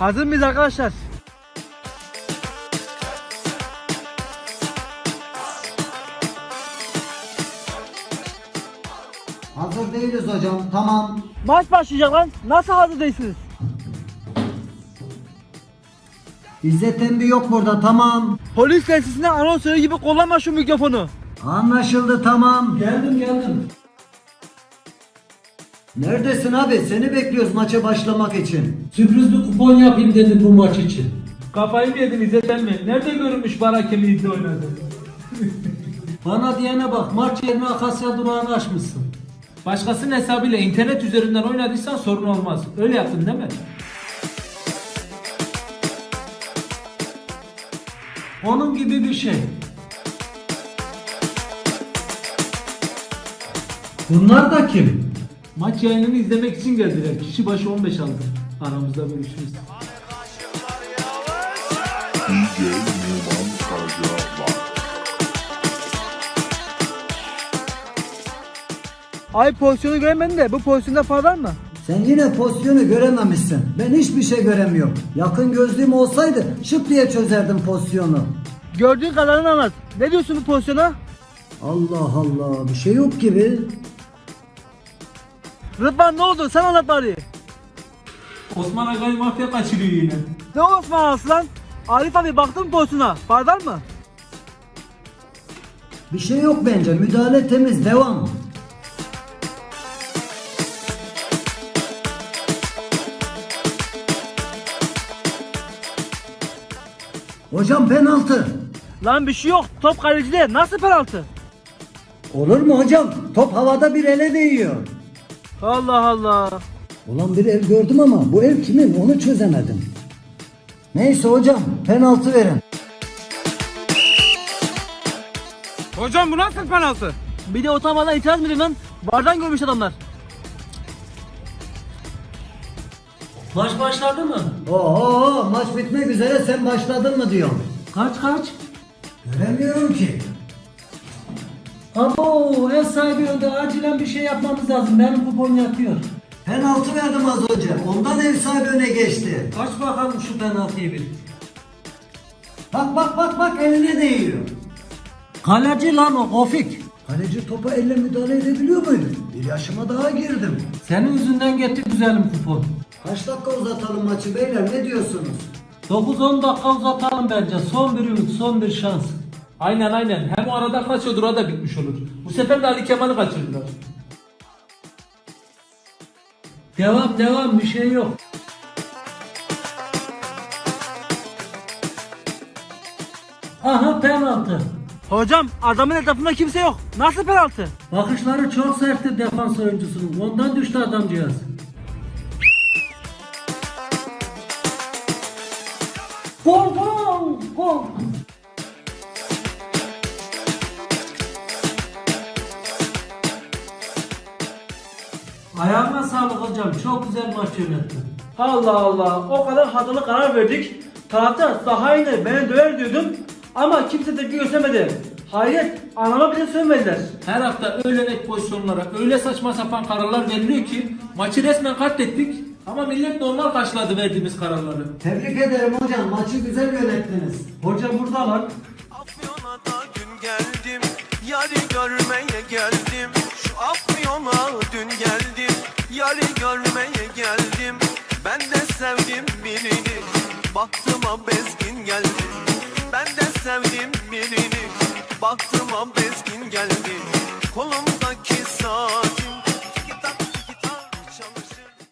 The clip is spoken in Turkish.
Hazır mıyız arkadaşlar? Hazır değiliz hocam. Tamam. Maç başlayacak lan. Nasıl hazır değilsiniz? İzzet emmi yok burada. Tamam. Polis tesisine anonsörü gibi kullanma şu mikrofonu. Anlaşıldı, tamam. Geldim. Neredesin abi? Seni bekliyoruz maça başlamak için. Sürpriz bir kupon yapayım dedim bu maç için. Kafayı mı yedin İzzet emmi? Nerede görünmüş bar hakemi iddia oynadı? Bana diyene bak, maç yerine Akasya durağını açmışsın. Başkasının hesabıyla internet üzerinden oynadıysan sorun olmaz. Öyle yaptın değil mi? Onun gibi bir şey. Bunlar da kim? Maç yayınını izlemek için geldiler. Kişi başı 15 aldı. Aramızda bölüşürüz. DJ Numan Karaca. Ay pozisyonu göremedim de bu pozisyonda faul var mı? Sen yine pozisyonu görememişsin. Ben hiçbir şey göremiyorum. Yakın gözlüğüm olsaydı şıp diye çözerdim pozisyonu. Gördüğün kadarını anlat. Ne diyorsun bu pozisyona? Allah Allah, bir şey yok gibi. Rıdvan ne oldu? Sen anlat bari. Osman Agay mafya kaçırıyor yine. Ne Osman Aslan? Arif abi baktın mı pozisyona? Faul var mı? Bir şey yok bence. Müdahale temiz. Devam. Hocam penaltı. Lan bir şey yok. Top kalecide. Nasıl penaltı? Olur mu hocam? Top havada bir ele değiyor. Allah Allah. Ulan bir el gördüm ama bu el kimin onu çözemedim. Neyse hocam, penaltı verin. Hocam bu nasıl penaltı? Bir de utanmadan itiraz mı edin lan? Vardan görmüş adamlar. Maç başladı mı? Oo, maç bitmek üzere, sen başladın mı diyorum. Kaç? Göremiyorum ki. Abo, ev sahibi önde, acilen bir şey yapmamız lazım. Benim kupon yatıyor. Penaltı verdim az önce. Ondan ev sahibi öne geçti. Aç bakalım şu penaltıyı bir. Bak eline değiyor. Kaleci lan o, Ofik. Kaleci topa elle müdahale edebiliyor muydu? Bir yaşıma daha girdim. Senin yüzünden getir güzelim kupon. Kaç dakika uzatalım maçı beyler, ne diyorsunuz? 9-10 dakika uzatalım bence. Son bir ümit, son bir şans. Aynen. Hem o arada kaçıyordur, o da bitmiş olur. Bu sefer de Ali Kemal'i kaçırdılar. Devam, bir şey yok. Aha, penaltı. Hocam adamın etrafında kimse yok. Nasıl penaltı? Bakışları çok sertti defans oyuncusunun. Ondan düştü adamcağız. Gol. Ayağına sağlık hocam. Çok güzel maç yönettin. Allah Allah. O kadar hatalı karar verdik. Taraftar sahaya iner beni döver diyordum. Ama kimse tepki göstermedi. Hayret, anama bile sövmediler. Her hafta öyle net pozisyonlara öyle saçma sapan kararlar veriliyor ki maçı resmen katlettik. Ama millet normal karşıladı verdiğimiz kararları. Tebrik ederim hocam, maçı güzel yönettiniz. Hoca burada lan. Afyon'a da dün geldim, yari görmeye geldim. Şu Afyon'a dün geldim, yari görmeye geldim. Ben de sevdim birini, baktıma bezgin geldi. Ben de sevdim birini, baktıma bezgin geldi. Kolum